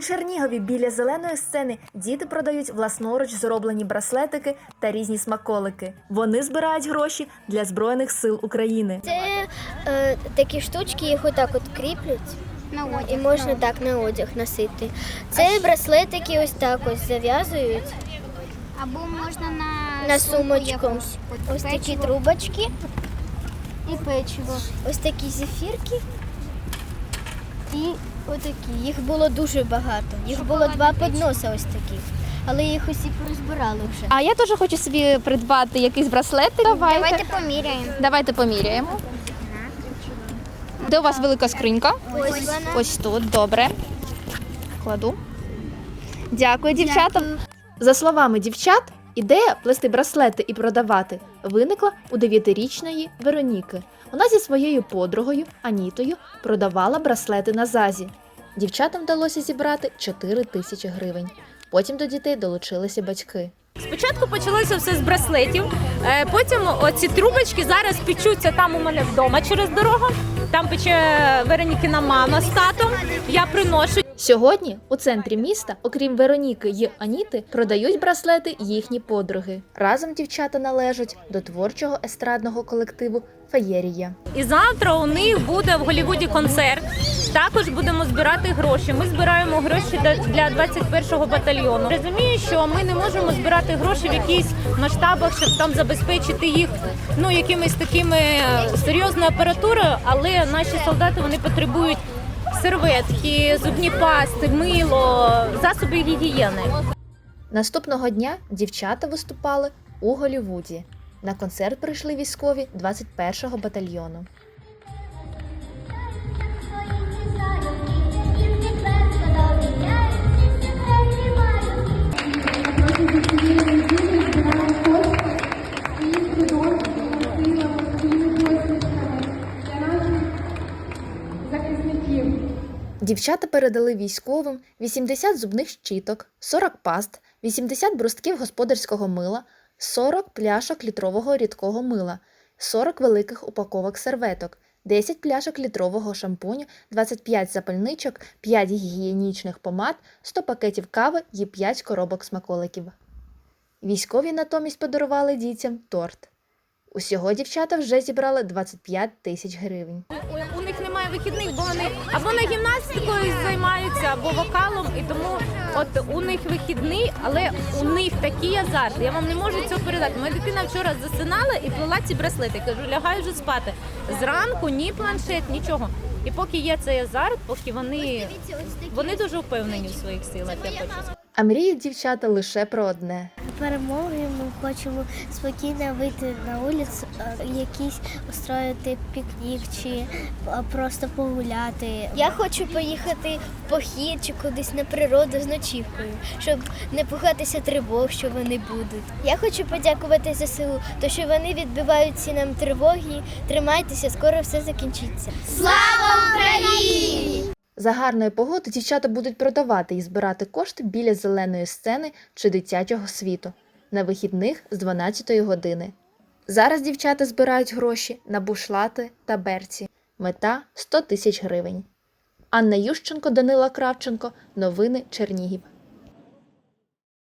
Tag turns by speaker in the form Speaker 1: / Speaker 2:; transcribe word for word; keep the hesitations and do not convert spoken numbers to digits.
Speaker 1: Чернігові біля зеленої сцени діти продають власноруч зроблені браслетики та різні смаколики. Вони збирають гроші для Збройних сил України.
Speaker 2: Це е, такі штучки, їх отак от кріплять.
Speaker 3: На одяг.
Speaker 2: І можна так на одяг носити. Це браслетики ось так ось зав'язують
Speaker 3: Або можна на,
Speaker 2: на
Speaker 3: сумку
Speaker 2: сумочку.
Speaker 3: якусь.
Speaker 2: Ось такі
Speaker 3: Печиво
Speaker 2: трубочки,
Speaker 3: і печиво.
Speaker 2: ось такі зефірки і отакі. Їх було дуже багато. Їх було два подноса ось таких. Але їх усі порозбирали вже.
Speaker 4: А я теж хочу собі придбати якийсь браслетик. Давайте.
Speaker 3: Давайте поміряємо.
Speaker 4: Давайте поміряємо. Де у вас велика скринька?
Speaker 2: Ось вона.
Speaker 4: Ось тут, добре. Кладу. Дякую, дівчата. За словами дівчат, ідея плести браслети і продавати виникла у дев'ятирічної Вероніки. Вона зі своєю подругою Анітою продавала браслети на ЗАЗі. Дівчатам вдалося зібрати чотири тисячі гривень. Потім до дітей долучилися батьки.
Speaker 5: Спочатку почалося все з браслетів, е, потім оці трубочки зараз печуться там у мене вдома через дорогу. Там пече Веронікина мама з татом, я приношу.
Speaker 4: Сьогодні у центрі міста, окрім Вероніки й Аніти, продають браслети їхні подруги. Разом дівчата належать до творчого естрадного колективу «Феєрія».
Speaker 5: І завтра у них буде в Голлівуді концерт. Також будемо збирати гроші. Ми збираємо гроші для двадцять першого батальйону. Розумію, що ми не можемо збирати гроші в якихось масштабах, щоб там забезпечити їх ну, якимись такими серйозною апаратурою, але наші солдати вони потребують серветки, зубні пасти, мило, засоби гігієни.
Speaker 4: Наступного дня дівчата виступали у Голлівуді. На концерт прийшли військові двадцять першого батальйону. Дівчата передали військовим вісімдесят зубних щіток, сорок паст, вісімдесят брустків господарського мила, сорок пляшок літрового рідкого мила, сорок великих упаковок серветок, десять пляшок літрового шампуню, двадцять п'ять запальничок, п'ять гігієнічних помад, сто пакетів кави і п'ять коробок смаколиків. Військові натомість подарували дітям торт. Усього дівчата вже зібрали двадцять п'ять тисяч гривень.
Speaker 5: У, у них немає вихідних, бо вони або на гімнастикою займаються, або вокалом, і тому от у них вихідний, але у них такий азарт. Я вам не можу цього передати. Моя дитина вчора засинала і плела ці браслети. Кажу, лягай вже спати. Зранку ні планшет, нічого. І поки є цей азарт, поки вони, вони дуже впевнені в своїх силах, я хочу сказати.
Speaker 4: А мріють дівчата лише про одне.
Speaker 2: Перемоги ми хочемо спокійно вийти на вулицю, якийсь устроїти пікнік чи просто погуляти. Я хочу поїхати в похід чи кудись на природу з ночівкою, щоб не пугатися тривог, що вони будуть. Я хочу подякувати ЗСУ, то що вони відбивають всі нам тривоги. Тримайтеся, скоро все закінчиться. Слава Україні!
Speaker 4: За гарної погоди дівчата будуть продавати і збирати кошти біля зеленої сцени чи дитячого світу на вихідних з дванадцятої години. Зараз дівчата збирають гроші на бушлати та берці. Мета – сто тисяч гривень. Анна Ющенко, Данила Кравченко. Новини Чернігів.